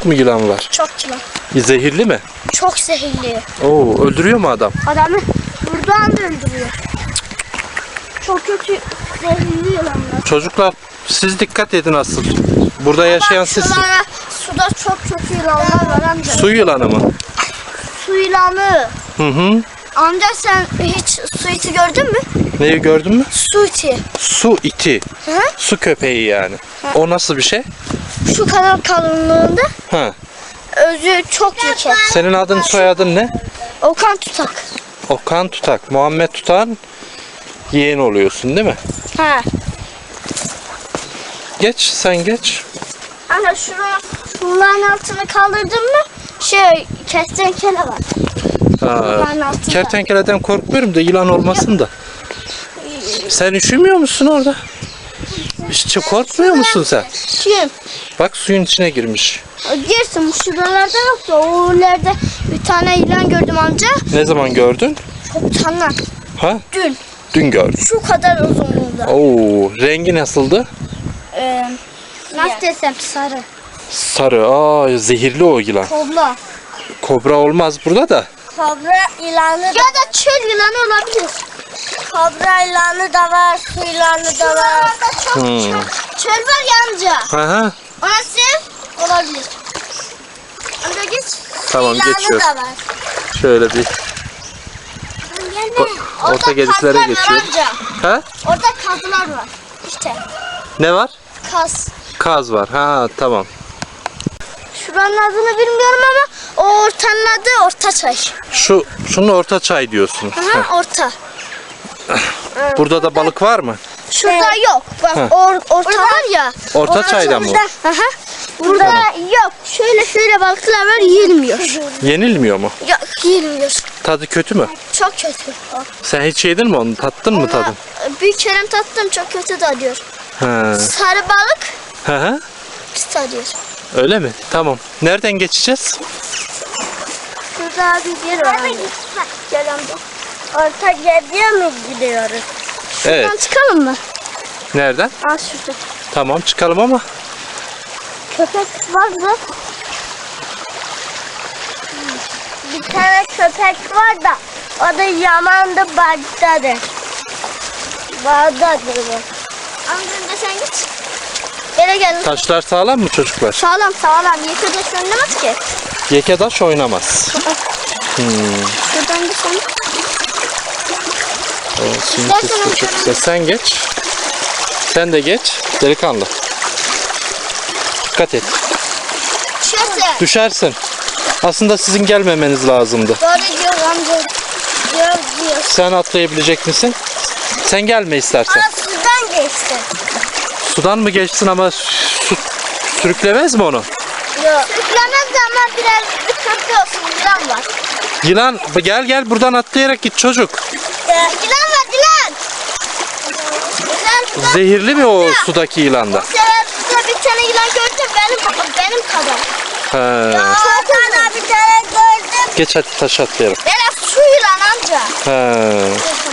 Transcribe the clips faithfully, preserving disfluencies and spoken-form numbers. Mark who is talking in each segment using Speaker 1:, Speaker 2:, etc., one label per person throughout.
Speaker 1: Çok mu yılan var?
Speaker 2: Çok yılan.
Speaker 1: Zehirli mi?
Speaker 2: Çok zehirli.
Speaker 1: Oo, öldürüyor mu adam?
Speaker 2: Adamı buradan da öldürüyor. Çok kötü zehirli yılanlar.
Speaker 1: Çocuklar siz dikkat edin asıl. Burada yaşayan
Speaker 2: Bak,
Speaker 1: siz.
Speaker 2: şuralara, suda çok kötü yılanlar var amca.
Speaker 1: Su yılanı mı?
Speaker 2: Su yılanı.
Speaker 1: Hı hı.
Speaker 2: Amca sen hiç su iti gördün mü?
Speaker 1: Neyi gördün mü?
Speaker 2: Su iti.
Speaker 1: Su iti.
Speaker 2: Hı?
Speaker 1: Su köpeği yani. O nasıl bir şey?
Speaker 2: Şu kadar kalınlığında.
Speaker 1: Ha.
Speaker 2: Özü çok yüksek.
Speaker 1: Senin adın soyadın ne?
Speaker 2: Okan tutak.
Speaker 1: Okan Tutak. Muhammed Tutak'ın yeğeni oluyorsun değil mi?
Speaker 2: Ha.
Speaker 1: Geç sen geç.
Speaker 2: Ana şunu şunların altını kaldırdın mı? Şey kertenkele var.
Speaker 1: Ha,
Speaker 2: Şunların altında.
Speaker 1: kertenkeleden korkmuyorum da yılan olmasın da. Sen üşümüyor musun orada? Hiç korkmuyor musun sen?
Speaker 2: Kim?
Speaker 1: Bak suyun içine girmiş.
Speaker 2: Girsin şuralarda yok da o ileride bir tane yılan gördüm amca.
Speaker 1: Ne zaman gördün?
Speaker 2: Çok tane.
Speaker 1: Ha?
Speaker 2: Dün.
Speaker 1: Dün gördüm.
Speaker 2: Şu kadar uzunluğunda.
Speaker 1: Oo, rengi nasıldı?
Speaker 2: Ee, nasıl desem sarı.
Speaker 1: Sarı. Aa, zehirli o yılan.
Speaker 2: Kobra.
Speaker 1: Kobra olmaz burada da.
Speaker 2: Kobra yılanı ya da çöl yılanı olabilir. Kobra yılanı da var, su yılanı da var. Çok
Speaker 1: Hmm.
Speaker 2: çöl, çöl var ya amca.
Speaker 1: Aha.
Speaker 2: Orası olabilir. Amca geç.
Speaker 1: Tamam,
Speaker 2: Yılanı
Speaker 1: geçiyorum.
Speaker 2: da var.
Speaker 1: Şöyle bir
Speaker 2: Gelme.
Speaker 1: orta gediklere
Speaker 2: kazlar var
Speaker 1: geçiyorum.
Speaker 2: amca.
Speaker 1: Ha?
Speaker 2: Orada kazlar var. İşte
Speaker 1: Ne var?
Speaker 2: kaz.
Speaker 1: Kaz var. Ha, tamam.
Speaker 2: Şuranın adını bilmiyorum ama o ortanın adı Ortaçay.
Speaker 1: Şu şunu orta çay diyorsun. Heh.
Speaker 2: Aha, orta.
Speaker 1: Burada da balık var mı?
Speaker 2: Şurada yok. Bak
Speaker 1: Ha.
Speaker 2: or, orta var ya.
Speaker 1: Orta çayda mı?
Speaker 2: Aha. Burada yok. Şöyle şöyle balıklar var yiyilmiyor.
Speaker 1: Yenilmiyor mu?
Speaker 2: Yok yiyilmiyor.
Speaker 1: Tadı kötü mü?
Speaker 2: Çok kötü.
Speaker 1: Sen hiç yedin mi onu? Tattın mı tadını?
Speaker 2: Bir kere tattım çok kötü tadıyor.
Speaker 1: Ha.
Speaker 2: Sarı balık
Speaker 1: Hı hı.
Speaker 2: pis tadıyor.
Speaker 1: Öyle mi? Tamam. Nereden geçeceğiz?
Speaker 2: Şurada bir yer var. Gel amca. Orta gediye mi gidiyoruz? Şuradan
Speaker 1: Evet.
Speaker 2: çıkalım mı?
Speaker 1: Nereden?
Speaker 2: Aa şurada.
Speaker 1: Tamam çıkalım ama
Speaker 2: Köpek vardı. Bir tane köpek var da o da yamandı Bağdat'tadır. Bağdat'dır bu. Amcım sen git. Gele gel.
Speaker 1: taşlar sağlam mı çocuklar?
Speaker 2: Sağlam sağlam. Yıkıda söylemez ki.
Speaker 1: Yeke taş oynamaz. Hmm.
Speaker 2: Şuradan bir sen.
Speaker 1: O suyun sesi de çok güzel. Sen geç. Sen de geç. Delikanlı. Dikkat et.
Speaker 2: Düşerse.
Speaker 1: Düşersin. Aslında sizin gelmemeniz lazımdı.
Speaker 2: Doğru diyor amca. Diyor diyor.
Speaker 1: Sen atlayabilecek misin? Sen gelme istersen.
Speaker 2: Aa sudan geçti.
Speaker 1: Sudan mı geçsin ama su sürüklemez mi onu?
Speaker 2: Yok. Sürüklemez de ama biraz dikkatli olsun. Yılan var.
Speaker 1: Yılan gel gel buradan atlayarak git çocuk.
Speaker 2: Ee, yılan var yılan. Yılan suda.
Speaker 1: Zehirli mi o sudaki yılan da?
Speaker 2: Sefer suda bir tane yılan gördüm benim benim kadar.
Speaker 1: He.
Speaker 2: Çok uzun. Bir tane gördüm.
Speaker 1: Geç hadi taş atlayalım.
Speaker 2: Biraz su yılan amca.
Speaker 1: He.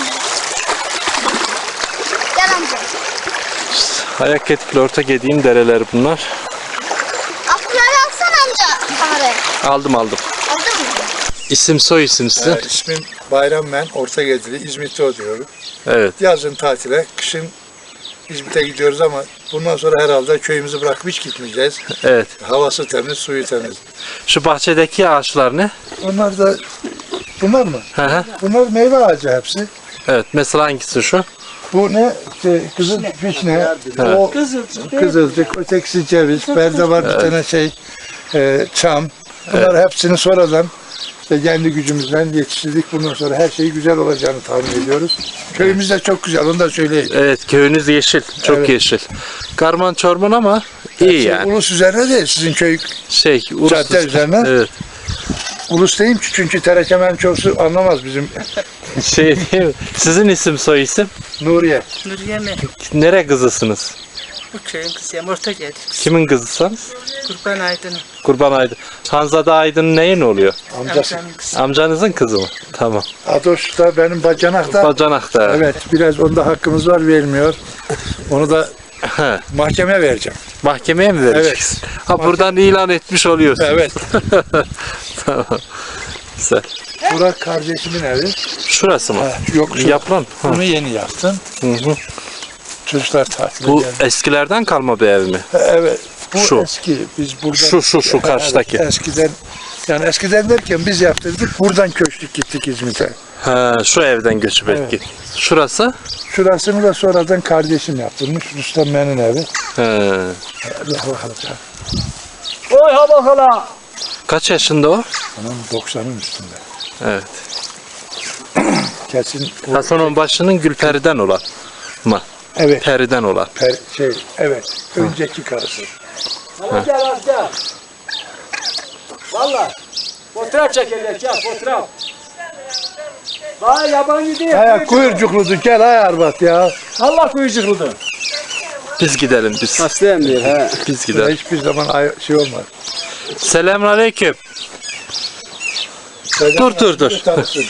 Speaker 2: Gel amca.
Speaker 1: Ayak etkili orta gediğin dereler bunlar.
Speaker 2: Akları alsana amca kamerayı.
Speaker 1: Aldım aldım.
Speaker 2: Aldın mı?
Speaker 1: İsim soy isim sizin.
Speaker 3: Ee, ismim Bayram ben, Ortagedili, İzmit'te oturuyorum.
Speaker 1: Evet.
Speaker 3: Yazın tatile, kışın İzmit'e gidiyoruz ama bundan sonra herhalde köyümüzü bırakıp hiç gitmeyeceğiz.
Speaker 1: Evet.
Speaker 3: Havası temiz, suyu temiz.
Speaker 1: Şu bahçedeki ağaçlar ne?
Speaker 3: Onlar da, bunlar mı?
Speaker 1: Hı hı.
Speaker 3: Bunlar meyve ağacı hepsi.
Speaker 1: Evet. Mesela hangisi şu?
Speaker 3: Bu ne? İşte kızıl vişne, o kızılcık, ötekisi ceviz, berde var bir tane şey, e, çam. Bunlar hepsini sonradan işte kendi gücümüzden yetiştirdik. Bundan sonra her şey güzel olacağını tahmin ediyoruz. Köyümüz de çok güzel, onu da söyleyeyim.
Speaker 1: Evet. Köyünüz yeşil. Çok
Speaker 3: Evet.
Speaker 1: yeşil. Karman çorman ama iyi
Speaker 3: Hepsi
Speaker 1: yani.
Speaker 3: Ulus üzerine değil, sizin köy
Speaker 1: Şey. Urus.
Speaker 3: Cadde üzerine.
Speaker 1: Evet.
Speaker 3: ulus değil ki çünkü terekemen çoğusu anlamaz bizim
Speaker 1: Şey değil mi? Sizin isim soy isim?
Speaker 3: Nuriye.
Speaker 4: Nuriye mi?
Speaker 1: Nere kızısınız?
Speaker 4: Bu köyün kızıyım. Orta geldik.
Speaker 1: Kimin kızısınız?
Speaker 4: Kurban Aydın'ın.
Speaker 1: Kurban Aydın. Hanzade Aydın neyin oluyor?
Speaker 3: Amcası.
Speaker 4: Amcanın kızı.
Speaker 1: Amcanızın kızı mı? Tamam.
Speaker 3: Adoş da benim bacanak da.
Speaker 1: Bacanak'ta.
Speaker 3: Evet, biraz onda hakkımız var, vermiyor. Onu da
Speaker 1: He.
Speaker 3: mahkemeye vereceğim.
Speaker 1: Mahkemeye mi vereceksin? Ha buradan ilan etmiş oluyorsun.
Speaker 3: Evet.
Speaker 1: Tamam. Güzel.
Speaker 3: Burak kardeşimin evi.
Speaker 1: Şurası mı?
Speaker 3: Ha, yok şu.
Speaker 1: Yap lan. Ha.
Speaker 3: Bunu yeni yaptım.
Speaker 1: Hı hı.
Speaker 3: Çocuklar tatile
Speaker 1: Bu
Speaker 3: geldi.
Speaker 1: eskilerden kalma bir ev mi?
Speaker 3: Evet. Bu
Speaker 1: Şu.
Speaker 3: eski. Biz burada
Speaker 1: Şu, şu, şu karşıdaki.
Speaker 3: Evet, eskiden yani eskiden derken biz yaptırdık. Buradan köçtük gittik İzmit'e.
Speaker 1: Ha, şu evden göçüp
Speaker 3: Evet.
Speaker 1: ettik. Şurası?
Speaker 3: Şurasını da sonradan kardeşim yaptırmış. Rüstem Men'in evi.
Speaker 1: He.
Speaker 3: Allah bakalım.
Speaker 5: Oy ha bakala.
Speaker 1: Kaç yaşında o?
Speaker 3: Anam doksanın üstünde.
Speaker 1: Evet.
Speaker 3: Kesin. o-
Speaker 1: Hasan Onbaşı'nın Gülperi'den olan mı?
Speaker 3: Evet.
Speaker 1: Peri'den olan.
Speaker 3: Per, şey, evet. Önceki karısı.
Speaker 5: Hadi gel hadi gel. Valla. Fotoğraf çekilecek ya fotoğraf. Daha yabancı değil.
Speaker 3: Aya kuyurcukludu. Gel ay Arbat ya.
Speaker 5: Allah kuyucukludu.
Speaker 1: Biz gidelim biz.
Speaker 5: Hastayım diyor he.
Speaker 1: Biz
Speaker 3: Burada
Speaker 1: gidelim.
Speaker 3: hiçbir zaman ay, şey olmaz.
Speaker 1: Selamünaleyküm. Dur, dur, dur.
Speaker 3: Tanısın.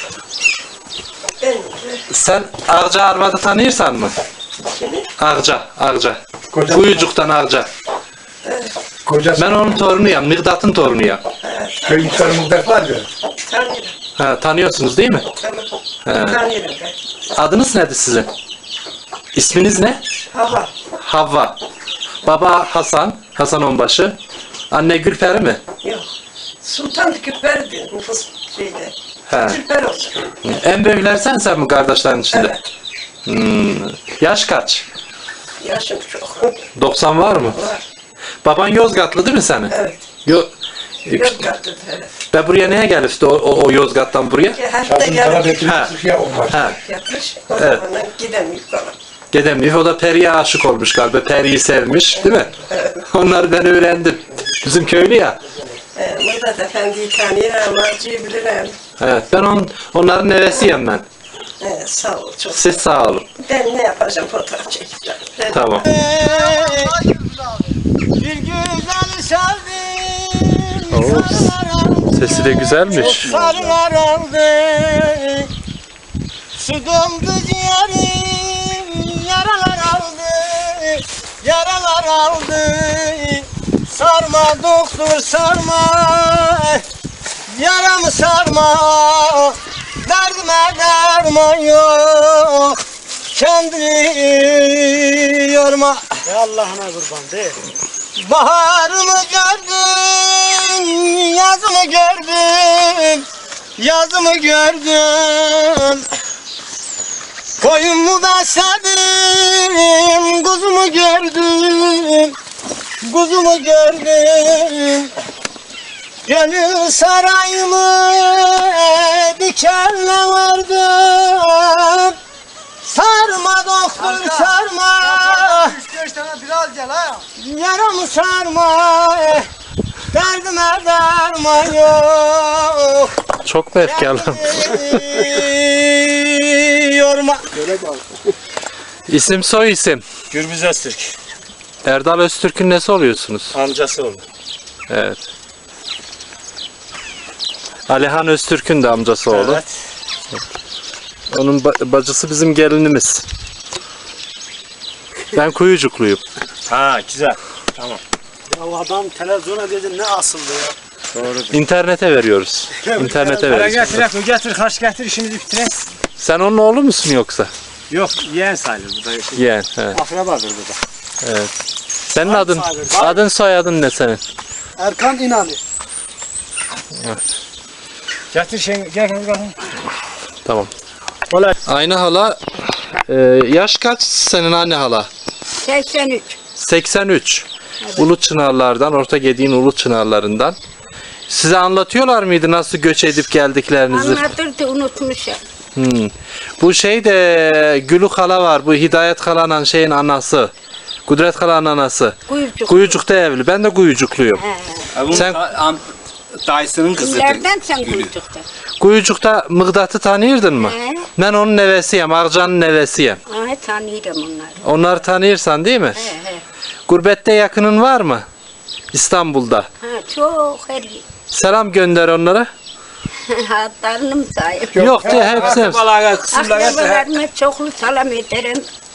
Speaker 1: Sen Ağca Arvad'ı tanıyorsan mı? Ağca, Ağca.
Speaker 3: Koca-
Speaker 1: Kuyucuk'tan Ağca.
Speaker 3: Kocası
Speaker 1: Ben onun torunuyum, Migdat'ın torunuyum.
Speaker 3: köyün sarımızda var ya.
Speaker 1: Ha, tanıyorsunuz değil mi? Ha. Adınız nedir sizin? İsminiz ne?
Speaker 6: Hava.
Speaker 1: Havva. Baba Hasan, Hasan Onbaşı. Anne Gülperi mi?
Speaker 6: Yok. Sultan Küper'di nüfus şeyde.
Speaker 1: He.
Speaker 6: Küper olsun.
Speaker 1: En büyükler sen sen mi kardeşlerin içinde?
Speaker 6: Evet.
Speaker 1: Hmm. Yaş kaç?
Speaker 6: Yaşım çok.
Speaker 1: doksan var mı?
Speaker 6: Var.
Speaker 1: Baban Yozgatlı değil mi senin?
Speaker 6: Evet.
Speaker 1: Yo
Speaker 6: Yozgat'ta evet.
Speaker 1: Ve buraya neye gelmişti o, o, o Yozgat'tan buraya?
Speaker 6: Her de
Speaker 3: Şarkın sana
Speaker 6: gelmiş
Speaker 3: getirmiş ya olmaz.
Speaker 1: Ha,
Speaker 6: yapmış. O
Speaker 1: Evet.
Speaker 6: zamandan gidemiyor falan.
Speaker 1: Gedemliyor. O da Peri'ye aşık olmuş galiba. Peri'yi sevmiş değil mi? Onları ben öğrendim. Bizim köylü ya.
Speaker 6: Ee, Murat Efendi'yi tanıyor ama acıyı bilirim.
Speaker 1: Evet, ben on, onların nevesiyim ben.
Speaker 6: Ee, sağ ol çok.
Speaker 1: Siz sağ olun.
Speaker 6: Ben ne yapacağım fotoğraf çekeceğim. Ben-
Speaker 1: Tamam.
Speaker 5: Bir güzel sevdim.
Speaker 1: Oo, sesi de güzelmiş.
Speaker 5: Sarılar aldı. Su dondu ciğerim. Yaralar aldı. Yaralar aldı. Sarma doktor sarma. Yaramı sarma. Derdime derman yok. Kendini yorma. Ya Allah'ına kurban değil. Baharımı gördüm, yazımı gördüm, yazımı gördüm. Koyumu besledim, kuzumu gördüm, kuzumu gördüm. Gönül sarayımı dikenle vardım. Sarma doktor sarma. Yaramı sarma. Derdime derman yok.
Speaker 1: Çok mu efkarlı?
Speaker 5: Yorma.
Speaker 1: İsim soy isim.
Speaker 5: Gürbüz Öztürk.
Speaker 1: Erdal Öztürk'ün nesi oluyorsunuz?
Speaker 5: Amcası oldu.
Speaker 1: Evet. Alihan Öztürk'ün de amcası oğlu.
Speaker 5: Evet.
Speaker 1: Onun ba- bacısı bizim gelinimiz. Ben Kuyucukluyum.
Speaker 5: Ha güzel. Tamam. Ya adam televizyona dedi ne asıldı ya. Doğrudur.
Speaker 1: İnternete veriyoruz. İnternete
Speaker 5: Para
Speaker 1: veriyoruz.
Speaker 5: getir, o getir, kaç getir işimizi bitirelim.
Speaker 1: Sen onun oğlu musun yoksa?
Speaker 5: Yok, yeğen sayılır burada.
Speaker 1: Yeğen. He.
Speaker 5: Akrabadır burada.
Speaker 1: Evet. Senin adın,
Speaker 5: sahibi.
Speaker 1: adın soyadın ne senin?
Speaker 5: Erkan İnanı.
Speaker 1: Evet.
Speaker 5: Getir şey, gel gel gel.
Speaker 1: Tamam.
Speaker 5: Kolay.
Speaker 1: Aynı hala, e, yaş kaç senin anne hala?
Speaker 2: seksen üç.
Speaker 1: seksen üç. Ulu Çınarlardan, Orta Gediğin Ulu Çınarlarından. Size anlatıyorlar mıydı nasıl göç edip geldiklerinizi?
Speaker 2: Anlatırdı unutmuşum.
Speaker 1: Hmm. Bu şey de Gülü Hala var. Bu Hidayet Hala'nın şeyin anası. Kudret Hala'nın anası.
Speaker 2: Kuyucuk.
Speaker 1: Kuyucuk'ta evli. Ben de Kuyucukluyum.
Speaker 5: Bunun
Speaker 1: Sen-
Speaker 5: am, dayısının kızıdır.
Speaker 2: Kimlerden sen kuyucukta?
Speaker 1: Kuyucuk'ta Mıgdat'ı tanıyırdın mı?
Speaker 2: He.
Speaker 1: Ben onun nevesiyim. Ağcan'ın nevesiyim.
Speaker 2: Aha tanıyorum onları.
Speaker 1: Onları tanıyırsan değil mi?
Speaker 2: He he.
Speaker 1: Gurbette yakının var mı? İstanbul'da.
Speaker 2: Ha çok her
Speaker 1: Selam gönder onlara.
Speaker 2: hatlarını mı sayayım?
Speaker 1: Yok diye hepsi. hepsi.
Speaker 5: Akrabalara, kısımlara.
Speaker 2: Akrabalarıma çoklu selam ederim.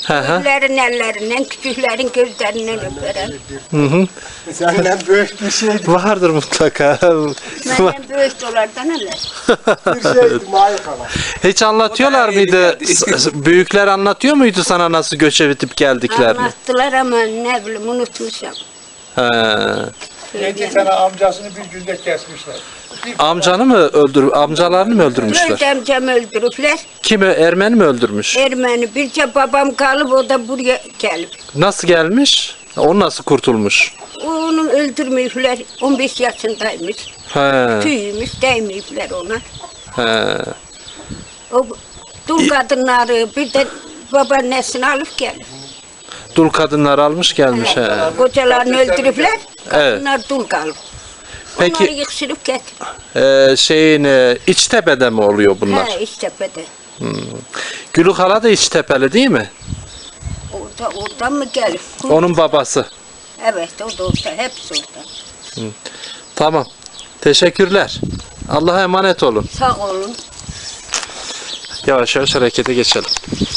Speaker 1: Hı hı.
Speaker 2: Büyüklerin ellerinden, küçüklerin gözlerinden öperim.
Speaker 1: Hı hı.
Speaker 5: Senden büyük bir şeydi.
Speaker 1: Vardır mutlaka.
Speaker 2: Benden büyük dolardan öyle.
Speaker 5: Bir şeydi Maik hala.
Speaker 1: Hiç anlatıyorlar mıydı? S- Büyükler anlatıyor muydu sana nasıl göçe bitip geldiklerini?
Speaker 2: Anlattılar ama ne bileyim unutmuşum.
Speaker 1: He.
Speaker 3: Yedi tane amcasını bir günde kesmişler.
Speaker 1: Amcanı mı öldür, amcalarını mı öldürmüşler?
Speaker 2: Dört amcamı öldürüpler.
Speaker 1: Kimi, Ermeni mi öldürmüş?
Speaker 2: Ermeni. Birce babam kalıp o da buraya gelip.
Speaker 1: Nasıl gelmiş? O nasıl kurtulmuş?
Speaker 2: Onu öldürmüşler. on beş yaşındaymış.
Speaker 1: He.
Speaker 2: Tüymüş, değmeyipler ona.
Speaker 1: He.
Speaker 2: O dul kadınları bir de babaannesini alıp gelip.
Speaker 1: Dul kadınlar almış gelmiş. He.
Speaker 2: Kocalarını öldürüpler.
Speaker 1: Evet.
Speaker 2: Kadınlar dul kalıp. Onları
Speaker 1: Peki
Speaker 2: yıksırıp getir.
Speaker 1: e, şeyin e, İçtepe'de mi oluyor bunlar?
Speaker 2: He İştepe'de.
Speaker 1: Gülük Hala da İçtepeli değil mi?
Speaker 2: Orada, oradan mı gelip?
Speaker 1: Onun babası.
Speaker 2: Evet o da orada. Hepsi orada.
Speaker 1: Tamam. Teşekkürler. Allah'a emanet olun.
Speaker 2: Sağ olun.
Speaker 1: Yavaş yavaş harekete geçelim.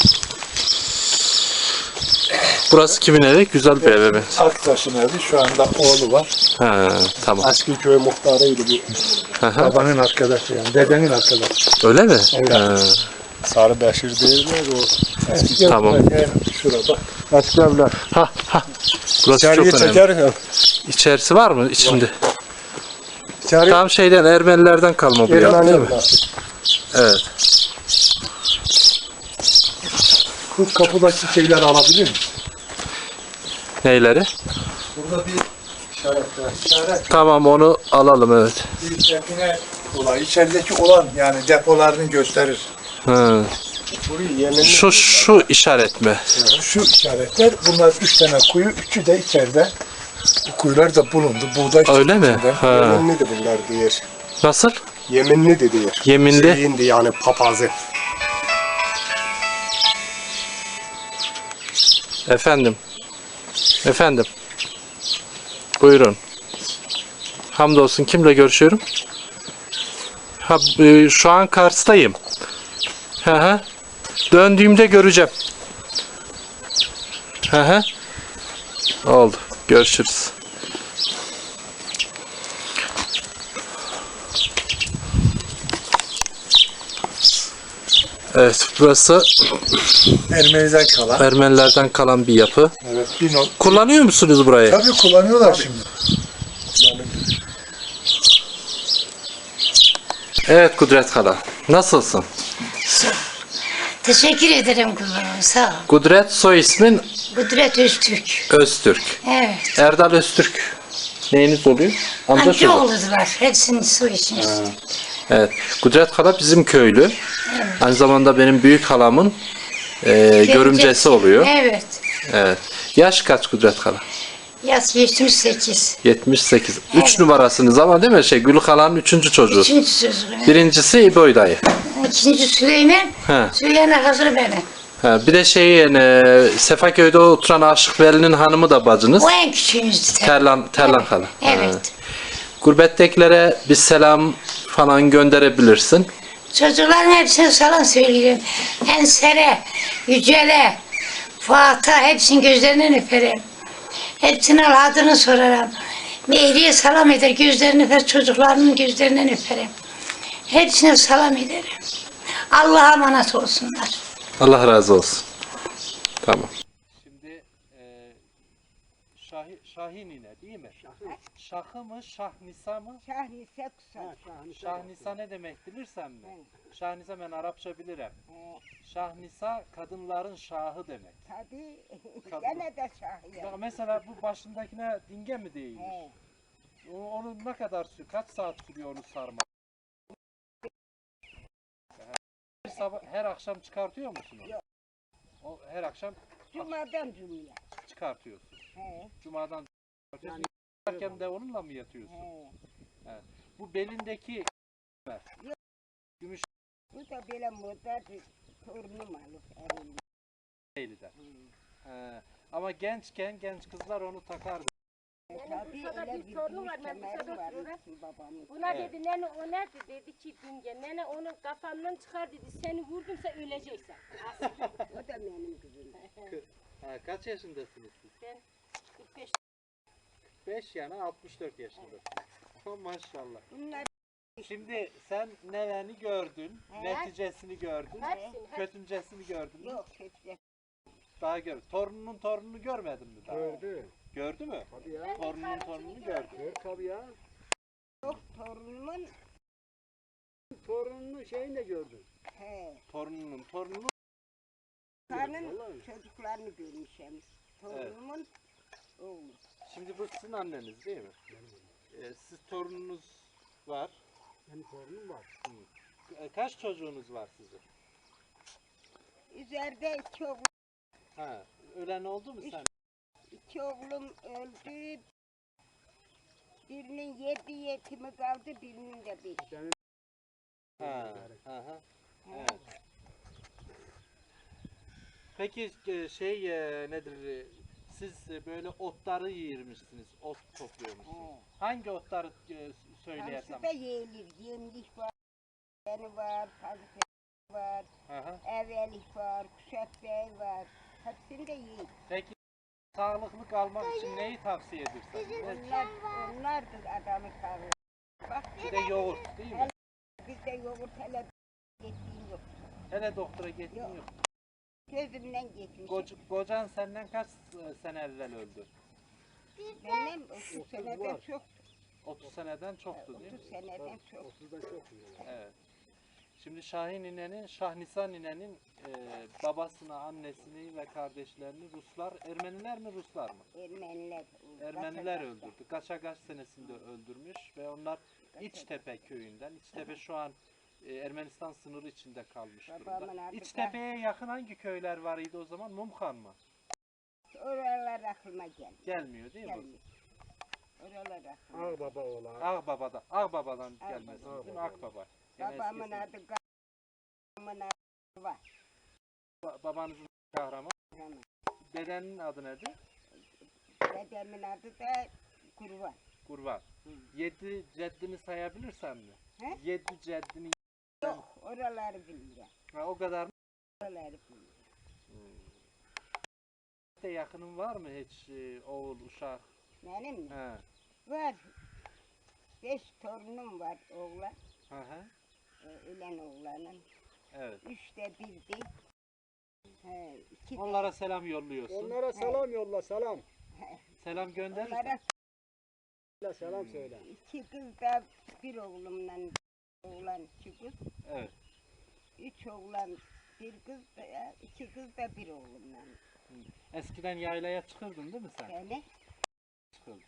Speaker 1: Burası kimin evi? Güzel bir ev mi?
Speaker 3: Aktaş'ın evi, şu anda oğlu var.
Speaker 1: He, tamam.
Speaker 5: Eski köy muhtarıydı bu.
Speaker 1: Hı hı.
Speaker 3: Babanın arkadaşı yani, dedenin arkadaşı.
Speaker 1: Öyle mi?
Speaker 3: Evet.
Speaker 1: He,
Speaker 5: Sarı Beşir değiller o.
Speaker 3: Eski
Speaker 1: Tamam.
Speaker 3: yani şurada.
Speaker 5: Eski evler.
Speaker 1: Ha ha. Burası
Speaker 5: İçeriye
Speaker 1: çok önemli.
Speaker 5: çeker.
Speaker 1: İçerisi var mı içinde?
Speaker 5: İçeri
Speaker 1: Tam şeyden Ermenilerden kalma bu yapı
Speaker 5: Ermeni
Speaker 1: değil mi?
Speaker 5: evler.
Speaker 1: Evet.
Speaker 3: Bu kapıdaki şeyleri alabilir misin?
Speaker 1: Neyleri?
Speaker 3: Burada bir işaret var. İşaret
Speaker 1: Tamam onu alalım evet.
Speaker 3: bir define olayı. İçerideki olan yani depolarını gösterir.
Speaker 1: Hı.
Speaker 5: Burayı yeminli.
Speaker 1: Şu şu işaret mi?
Speaker 3: Şu işaretler, bunlar üç tane kuyu, üçü de içeride. Bu kuyular da bulundu. Buğday
Speaker 1: Öyle mi?
Speaker 3: çiftliğinden.
Speaker 1: Ha.
Speaker 5: Yeminli de bunlar diyor.
Speaker 1: Nasıl?
Speaker 5: Yeminli de diyor.
Speaker 1: Yeminli.
Speaker 5: Şeyindi yani papazı.
Speaker 1: Efendim. Efendim. Buyurun. Hamdolsun kimle görüşüyorum? Ha, e, şu an Kars'tayım. Hı hı. Döndüğümde göreceğim. Hı hı. Oldu. Görüşürüz. Evet, burası
Speaker 3: Ermeniden kalan.
Speaker 1: Ermenilerden kalan bir yapı.
Speaker 3: Evet, bir not.
Speaker 1: Kullanıyor musunuz burayı?
Speaker 3: Tabii kullanıyorlar şimdi.
Speaker 1: Evet Kudret Hala. Nasılsın?
Speaker 7: Teşekkür ederim kuzum. Sağ ol.
Speaker 1: Kudret soy ismin
Speaker 7: Kudret Öztürk.
Speaker 1: Öztürk.
Speaker 7: Evet.
Speaker 1: Erdal Öztürk. Neyiniz oluyor? Amca
Speaker 7: Amca
Speaker 1: çocuğu.
Speaker 7: oğludular. Hepsinin soy ismi.
Speaker 1: Evet. Kudret Hala bizim köylü. Aynı zamanda benim büyük halamın e, görümcesi oluyor.
Speaker 7: Evet.
Speaker 1: Evet. Yaş kaç Kudret Hala?
Speaker 7: Yaş yetmiş sekiz.
Speaker 1: yetmiş sekiz. Üç
Speaker 7: Evet.
Speaker 1: numarasınız ama değil mi? Şey, Gülük Hala'nın üçüncü çocuğu.
Speaker 7: Üçüncü sözü.
Speaker 1: Birincisi İboy dayı.
Speaker 7: İkinci Süleyman.
Speaker 1: He.
Speaker 7: Süleyman hazır benim.
Speaker 1: Ha, bir de şey yani, Sefaköy'de oturan Aşık Veli'nin hanımı da bacınız.
Speaker 7: O en küçüğümüzdü. tabii.
Speaker 1: Terlan, Terlan
Speaker 7: Evet.
Speaker 1: Hala.
Speaker 7: Evet.
Speaker 1: Ha. Gurbettekilere bir selam falan gönderebilirsin.
Speaker 7: Çocukların hepsine selam söylüyorum. Ensere, Yücel'e, Fuat'a hepsinin gözlerinden öperim. Hepsine adını sorarım. Mehri'ye selam eder, gözlerini öper, çocuklarımın gözlerinden öperim. Hepsine selam ederim. Allah'a emanet olsunlar.
Speaker 1: Allah razı olsun. Tamam. Şimdi e, Şahi, Şahinine değil mi? Şahı mı, Şahnisa mı?
Speaker 2: Şahnise kısa.
Speaker 1: Şahnisa ne demek bilirsen mi? Şahnisa ben Arapça bilirim. Şahnisa kadınların şahı demek.
Speaker 2: Tabii.
Speaker 1: Kadın.
Speaker 2: Gene de şahı.
Speaker 1: Bak mesela bu başındakine dinge mi değilmiş? O- Onu ne kadar sürüyor? Kaç saat sürüyor onu sarmak? Her sabah, her akşam çıkartıyor musun onu? O her akşam
Speaker 2: Cuma'dan cumaya.
Speaker 1: çıkartıyorsun.
Speaker 2: He.
Speaker 1: Cumadan çıkartıyorsun. Yatarken de onunla mı yatıyorsun?
Speaker 2: He.
Speaker 1: Bu belindeki gümüş
Speaker 2: Bu da böyle moda bir torunum alıp evimde.
Speaker 1: değildi. He. Ama gençken genç kızlar onu takardı.
Speaker 2: Benim Bursa'da bir torun var, ben Bursa'da oturuyorum. Buna
Speaker 1: Evet.
Speaker 2: dedi, nene o nerede dedi ki binge, nene onun kafandan çıkar dedi, seni vurdumsa öleceksin. O da benim kızım.
Speaker 1: Ha, kaç yaşındasınız siz?
Speaker 2: Ben kırk beş.
Speaker 1: beş yani altmış dört yaşındasınız. Maşallah.
Speaker 2: Bunlar
Speaker 1: Şimdi sen neveni gördün, neticesini gördün,
Speaker 2: hepsini,
Speaker 1: kötüncesini gördün mü?
Speaker 2: yok kötü.
Speaker 1: Daha gör. Torununun torununu görmedin mi daha?
Speaker 5: Gördü.
Speaker 1: Gördü mü?
Speaker 5: Tabii ya.
Speaker 1: Torununun torununu gördü.
Speaker 5: Gör tabii ya.
Speaker 2: Yok torunumun
Speaker 5: Torununun şeyini de gördü.
Speaker 2: he,
Speaker 1: Torununun torununu.
Speaker 2: karnın çocuklarını görmüşüm. Torunumun oğlu.
Speaker 1: Şimdi bu sizin anneniz değil mi? Ee, siz torununuz var.
Speaker 5: Benim torunum var.
Speaker 1: Ee, kaç çocuğunuz var sizin?
Speaker 2: Üzerinde iki oğlum,
Speaker 1: Ha, ölen oldu mu sen?
Speaker 2: iki oğlum öldü. Birinin yedi yetimi kaldı, birinin de beş.
Speaker 1: Ha, ha, ha. Evet. Peki e, şey e, nedir? e, Siz e, böyle otları yiyirmişsiniz, ot topluyormuşsunuz.
Speaker 2: He.
Speaker 1: Hangi otları e, söyleyersem?
Speaker 2: Hamsi da yeğilir. Yemlik var, beni var, pazık var,
Speaker 1: Aha.
Speaker 2: evelik var, kuşak bey var. Hepsini de yiyin.
Speaker 1: Peki sağlıklı kalmak için neyi tavsiye edersin? Ne-
Speaker 2: Onlar, onlardır adamı sağlığı. Bak
Speaker 1: Bir de yoğurt değil mi?
Speaker 2: bizde yoğurt hele geçtiğim yok.
Speaker 1: Hele doktora gittin
Speaker 2: Yok.
Speaker 1: yok.
Speaker 2: Gözümden geçmiş.
Speaker 1: Koc, kocan senden kaç e, sene evvel öldü?
Speaker 2: Benim otuz seneden çok,
Speaker 1: otuz seneden çoktu değil mi?
Speaker 2: otuz seneden çok.
Speaker 5: otuzda çok.
Speaker 1: Evet. Şimdi Şahin ninenin, Şahnisa ninenin e, babasını, annesini ve kardeşlerini Ruslar, Ermeniler mi Ruslar mı?
Speaker 2: Ermeniler.
Speaker 1: Ermeniler öldürdü. Kaçagaç senesinde öldürmüş ve onlar İçtepe köyünden, İçtepe şu an e, Ermenistan sınırı içinde kalmış
Speaker 2: Babamın
Speaker 1: durumda.
Speaker 2: adı da-
Speaker 1: İçtepe'ye yakın hangi köyler var idi o zaman? Mumkan mı?
Speaker 2: Oralar aklıma gelmiyor.
Speaker 1: Gelmiyor değil mi?
Speaker 2: Gelmiyor. Oralar aklıma.
Speaker 5: Ağbaba oğlan.
Speaker 1: Ağbaba'da, Ağbaba'dan
Speaker 2: Ağbaba.
Speaker 1: gelmezsiniz değil mi? Akbaba. Gene
Speaker 2: Babamın
Speaker 1: eskisi.
Speaker 2: adı babamın adı var.
Speaker 1: Ba- babanızın kahraman.
Speaker 2: Rahman.
Speaker 1: Dedenin adı nedir?
Speaker 2: Dedemin adı da Kurban.
Speaker 1: Kurban. Yedi ceddini sayabilirsen mi?
Speaker 2: He?
Speaker 1: Yedi ceddini
Speaker 2: Yok, oraları bilmiyorum.
Speaker 1: ha, o kadar mı?
Speaker 2: Oraları bilmiyorum.
Speaker 1: De yakının var mı hiç e, oğul, uşak?
Speaker 2: Benim mi?
Speaker 1: He.
Speaker 2: Var. Beş torunum var oğlan.
Speaker 1: Hı hı.
Speaker 2: Ee, ölen oğlanın.
Speaker 1: Evet.
Speaker 2: Üçte birdi. He, iki de-
Speaker 1: Onlara selam yolluyorsun.
Speaker 5: Onlara selam yolla selam.
Speaker 1: Selam gönderirsen.
Speaker 2: onlara
Speaker 5: Selam söyle.
Speaker 2: iki kız da bir oğlumla oğlan iki kız.
Speaker 1: Evet.
Speaker 2: Üç oğlan bir kız da iki kız da bir oğlumla.
Speaker 1: Eskiden yaylaya çıkırdın değil mi sen?
Speaker 2: Yani
Speaker 1: Çıkırdın.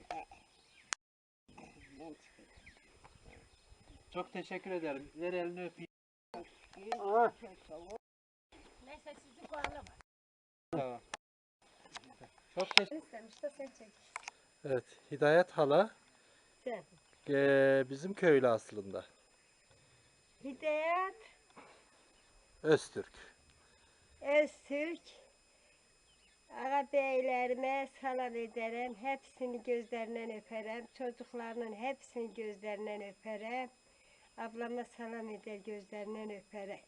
Speaker 2: ben çıkıyorum.
Speaker 1: Çok teşekkür ederim. Ver elini öpeyim.
Speaker 5: Aha.
Speaker 2: Neyse sizi bağlama.
Speaker 1: Tamam. Çok teşekkür
Speaker 2: İstemişte sen çek.
Speaker 1: Evet. Hidayet hala
Speaker 2: Sen.
Speaker 1: e, bizim köylü aslında.
Speaker 2: Hidayet
Speaker 1: Öztürk.
Speaker 2: Öztürk. Ağabeylerime salam ederim. Hepsini gözlerinden öperim. Çocuklarının hepsini gözlerinden öperim. Ablama salam eder gözlerinden öperim.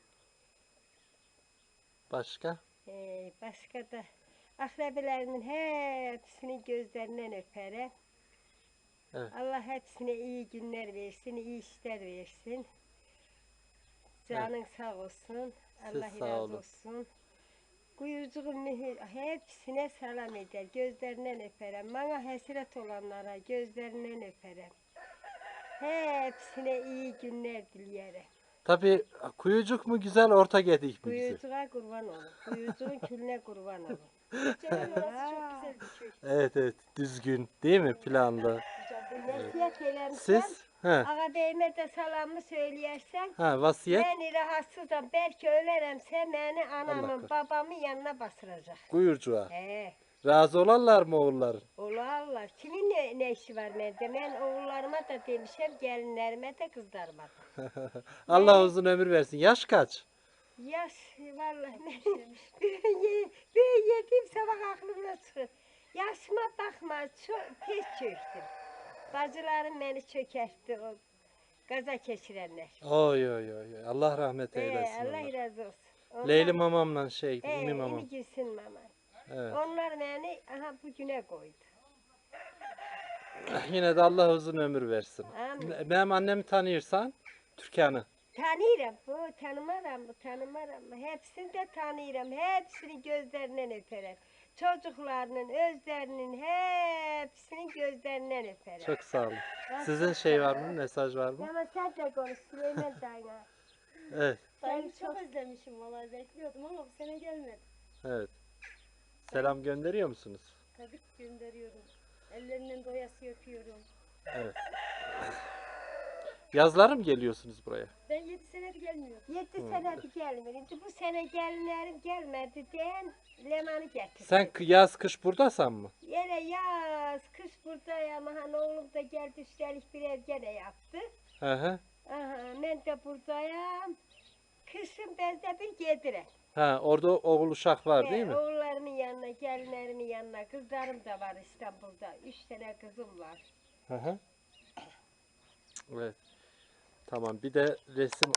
Speaker 1: Başka?
Speaker 2: Ee, başka da akrabilerimin hepsini gözlerinden öperim.
Speaker 1: Evet.
Speaker 2: Allah hepsine iyi günler versin, iyi işler versin. Canın sağ olsun. Allah
Speaker 1: Siz sağ
Speaker 2: razı
Speaker 1: olun.
Speaker 2: olsun. Kuyucuğun mühür hepsine selam eder. Gözlerinden öperim. Bana hasret olanlara gözlerinden öperim. Hepsine iyi günler dilerim.
Speaker 1: Tabii kuyucuk mu güzel, orta gedik mi güzel?
Speaker 2: Kuyucuğa kurban olun. Kuyucuğun külüne kurban olun. Canım orası çok güzel bir köy.
Speaker 1: Evet evet, düzgün değil mi, planlı?
Speaker 2: Vasiyet eylemişsem,
Speaker 1: Siz? He.
Speaker 2: ağabeyime de salamı söyleyersen,
Speaker 1: Ha, vasiyet
Speaker 2: beni rahatsızım, belki öleremse beni
Speaker 1: Allah
Speaker 2: anamın,
Speaker 1: korusun.
Speaker 2: babamın yanına basıracak.
Speaker 1: buyurcuğa.
Speaker 2: He,
Speaker 1: Razı olanlar mı oğulların?
Speaker 2: ola Allah. Kimin ne, ne işi var bende? Ben oğullarıma da demişim, gelinlerime de kızlarıma da.
Speaker 1: Allah uzun ömür versin. Yaş kaç?
Speaker 2: Yaş, vallahi ne? Böyle yediğim sabah aklımda çıkıyor. Yaşıma bakma, çok tez çöktüm. Bacılarım beni çökertti o gaza geçirenler.
Speaker 1: Oy oy oy. oy. Allah rahmet
Speaker 2: Ee,
Speaker 1: eylesin.
Speaker 2: Allah
Speaker 1: onlar.
Speaker 2: razı olsun. Onlar,
Speaker 1: Leyli mamamla şey,
Speaker 2: Ee,
Speaker 1: İmi mamam.
Speaker 2: İmi Gülsün mama.
Speaker 1: Evet.
Speaker 2: Onlar beni aha bugüne koydu.
Speaker 1: Yine de Allah uzun ömür versin.
Speaker 2: Amin.
Speaker 1: Benim annemi tanıyorsan Türkan'ı.
Speaker 2: Tanıyorum bu, tanımaram bu, tanımaram bu. Hepsini de tanıyorum. Hepsini gözlerinden öperim. Çocuklarının, özlerinin hepsini gözlerinden öperim.
Speaker 1: Çok sağ olun. Sizin şey var mı? Mesaj var mı?
Speaker 2: Ama sen de konuş Süleyman Dayna.
Speaker 1: Evet.
Speaker 2: Ben
Speaker 8: Çok özlemişim vallahi bekliyordum ama bu sene gelmedi.
Speaker 1: Evet. Selam gönderiyor musunuz?
Speaker 8: Tabii ki gönderiyorum. Ellerinden doyası öpüyorum.
Speaker 1: Evet. Yazları mı geliyorsunuz buraya?
Speaker 8: Ben yedi senedir gelmiyorum.
Speaker 2: Yedi senedir gelmedi. Bu sene gelinlerim gelmedi diyen Leman'ı getirdi.
Speaker 1: Sen k- yaz kış buradasan mı?
Speaker 2: Yine yaz, kış buradayım. Aha, oğlum da geldi üstelik birer gene yaptı.
Speaker 1: Hı hı.
Speaker 2: Aha, ben de buradayım. Kışın bezde bir yediren.
Speaker 1: Ha, orada oğul uşak var değil mi?
Speaker 2: Oğullarımın yanına, gelinlerimin yanına. Kızlarım da var İstanbul'da. Üç tane kızım var.
Speaker 1: Hı hı. Evet. Tamam. Bir de resim